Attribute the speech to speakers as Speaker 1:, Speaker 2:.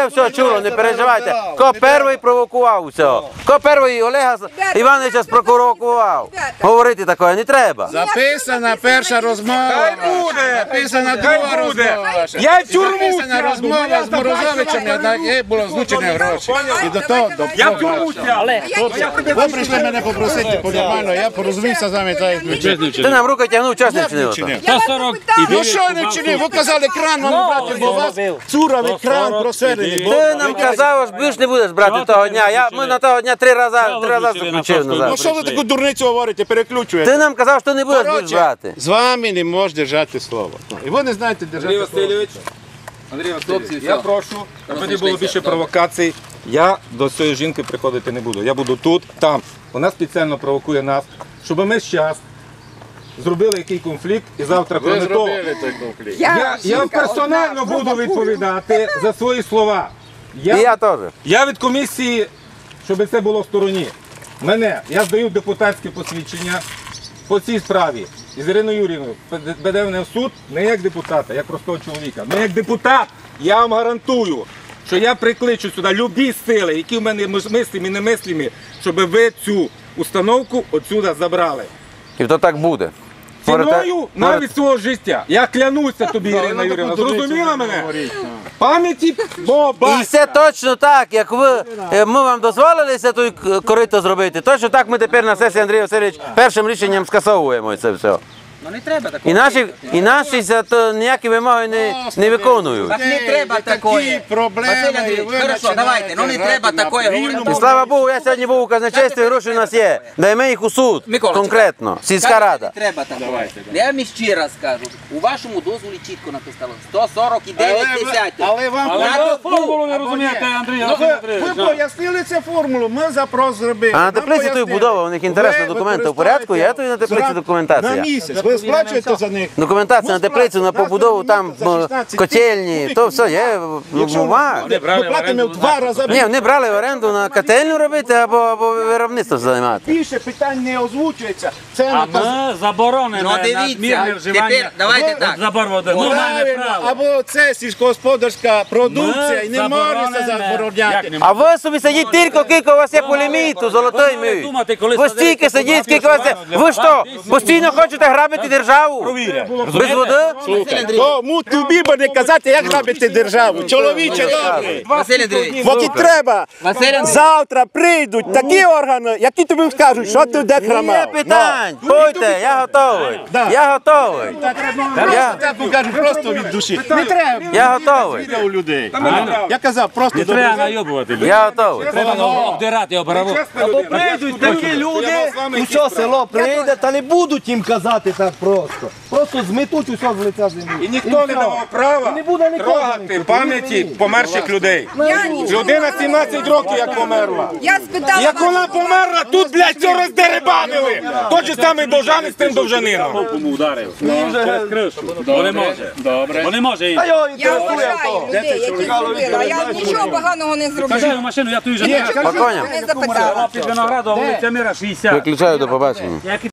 Speaker 1: Все чуло, не переживайте. Хто перший провокував всього? Хто перший Олега Івановича спровокував? Говорити такое не треба.
Speaker 2: Записана перша розмова.
Speaker 3: Хай буде!
Speaker 2: Записана друга розмова.
Speaker 3: Я в тюрму
Speaker 2: Записана розмова з Морозовичем, як було злучені гроші. І до того,
Speaker 3: Я в тюрму сяду.
Speaker 2: ви прийшли мене попросити по-нормально, я порозумівся з вами, так як ви.
Speaker 1: Ти нам руку тягнув, час не вчинив.
Speaker 2: Ну що не вчинив? Ви казали кран вам брати, бо у вас цуровий кран просерений.
Speaker 1: Ти нам казав, що більш не будеш брати того дня. Ми на того дня три рази заключив
Speaker 2: Ну
Speaker 1: назад.
Speaker 2: що ви таку дурницю говорите, переключуєте?
Speaker 1: Ти нам казав, що не будеш більш брати.
Speaker 2: З вами не можеш держати слово. І ви не знаєте держати слово.
Speaker 3: Андрій Васильович, я прошу, аби не було більше провокацій. Я до цієї жінки приходити не буду. Я буду тут, там. Вона спеціально провокує нас, щоб ми зараз зробили який конфлікт і завтра
Speaker 2: Ви
Speaker 3: кроме того.
Speaker 2: зробили той конфлікт.
Speaker 3: Я персонально буду відповідати за свої слова.
Speaker 1: І я теж.
Speaker 3: Я від комісії, щоб це було в стороні. Я здаю депутатське посвідчення по цій справі. Із Іриною Юріївною веде мене в суд не як депутата, як простого чоловіка. Не як депутат, я вам гарантую, що я прикличу сюди любі сили, які в мене мислимі і немислимі, щоб ви цю установку отсюди забрали.
Speaker 1: І то так буде.
Speaker 3: Ціною навіть свого життя. Я клянуся тобі, Ірина Юріївна. Зрозуміла мене? Пам'яті Боба.
Speaker 1: І все точно так, як ми вам дозволили це той корито зробити, точно так ми тепер на сесії Андрій Васильович першим рішенням скасовуємо це все.
Speaker 4: Ну не треба такого.
Speaker 1: І наші за то ніякі вимоги не виконують.
Speaker 4: Так не треба такої. Василь Андрійович, хорошо, давайте, ну не треба такої говорити.
Speaker 1: І слава Богу, я сьогодні був у казначействі, гроші у нас є. Даємо їх у суд,
Speaker 4: Миколочка,
Speaker 1: конкретно, сільська рада.
Speaker 4: Не треба такого. Я вам ще раз кажу, у вашому дозволі чітко написано 149 десятих.
Speaker 2: Але вам
Speaker 5: формулу не розумієте, Андрій
Speaker 2: ви пояснили цю формулу, ми запрос зробили.
Speaker 1: А на теплиці тут будова, у них інтересна документи в порядку, є тут на теплиці
Speaker 2: на
Speaker 1: документація.
Speaker 2: місяць. Ви сплачуєте за них?
Speaker 1: Документація на теплицю, на побудову, там котельні, то все є, бумага.
Speaker 2: Ми платимо в 2 рази.
Speaker 1: Ні, вони брали в оренду на котельню робити або виробництво займати.
Speaker 2: Більше питань не озвучується. Це
Speaker 5: А ми заборонено
Speaker 4: Ну дивіться, тепер давайте так.
Speaker 5: забор води. Ми маємо право.
Speaker 2: або це сільськогосподарська продукція і не можна забороняти.
Speaker 1: А ви собі сидіть тільки, скільки у вас є по ліміту, золотий мій. Ви стільки сидіть, скільки у вас є. Ви що, постійно хочете грабити державу? Без води?
Speaker 2: Кому тобі буде казати, як грабити державу? Чоловіче добрий.
Speaker 4: Василь Андрійович,
Speaker 2: Поки треба.
Speaker 4: Василь Андрійович,
Speaker 2: Завтра прийдуть такі органи, які тобі скажуть, що ти де
Speaker 1: Є
Speaker 2: храмав.
Speaker 1: питань, пойте, я готовий. Я готовий.
Speaker 2: Я покажу просто від душі. Не треба.
Speaker 1: Я готовий.
Speaker 2: У людей. Я казав, просто
Speaker 5: Не треба найобувати.
Speaker 1: Я готовий.
Speaker 5: Треба обдирати оборову.
Speaker 6: Або прийдуть такі люди, усе село прийде, та не будуть їм казати так просто. Просто зметуть усе з лиця землі.
Speaker 3: І ніхто не давав права
Speaker 6: не буде нікого.
Speaker 3: трогати пам'яті померших людей. Людина 17 років як померла.
Speaker 7: Я спитала
Speaker 3: Як вона померла, тут, блядь, все роздерибанили. Той же самий Довжанин з тим Довжанином.
Speaker 5: Кому ударив? Через кришу. Бо не може. Добре. Бо не може.
Speaker 7: Я вважаю людей, які зробили. Я нічого поганого не
Speaker 5: Саджаю
Speaker 7: зробила.
Speaker 5: машину, я ту вже не
Speaker 1: Спокійно.
Speaker 7: Не запитала.
Speaker 5: під виноградом, вулиця Мира 60.
Speaker 1: Виключаю, до побачення.